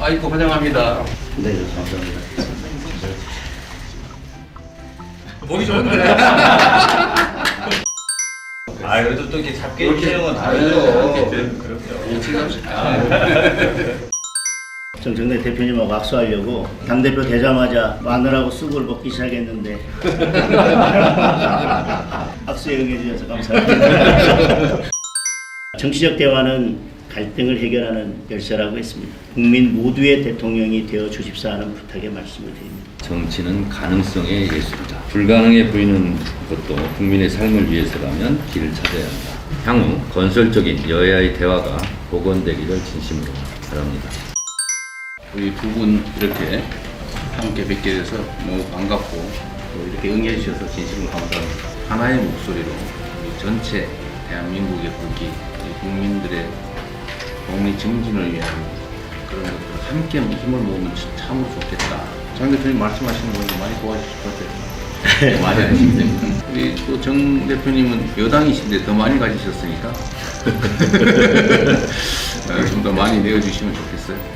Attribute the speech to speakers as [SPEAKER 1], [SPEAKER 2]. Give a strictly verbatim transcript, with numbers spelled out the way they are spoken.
[SPEAKER 1] 아이고 환영합니다.
[SPEAKER 2] 네, 감사합니다.
[SPEAKER 1] 보기 좋은데.
[SPEAKER 3] 아 그래도 또 이렇게 잡게
[SPEAKER 1] 이렇게
[SPEAKER 3] 해주는 건
[SPEAKER 1] 아유,
[SPEAKER 3] 다르죠.
[SPEAKER 1] 그렇죠.
[SPEAKER 2] 정청래 대표님하고 악수하려고 당대표 되자마자 마늘하고 쑥을 먹기 시작했는데 악수에 응해주셔서 감사합니다. 정치적 대화는 갈등을 해결하는 열쇠라고 했습니다. 국민 모두의 대통령이 되어 주십사 하는 부탁의 말씀을 드립니다.
[SPEAKER 4] 정치는 가능성의 예술이다. 불가능해 보이는 것도 국민의 삶을 위해서라면 길을 찾아야 한다. 향후 건설적인 여야의 대화가 복원되기를 진심으로 바랍니다.
[SPEAKER 1] 우리 두 분 이렇게 함께 뵙게 돼서 너무 반갑고 또 이렇게 응해 주셔서 진심으로 감사합니다. 하나의 목소리로 우리 전체 대한민국의 국기, 우리 국민들의 국민 증진을 위한 그런 것들 함께 힘을 모으면 참으로 좋겠다. 장 대표님 말씀하시는 거 많이 도와주실 것 같아요. 많이 하시기 때문에. 우리 또 정 대표님은 여당이신데 더 많이 가지셨으니까 좀 더 많이 내어주시면 좋겠어요.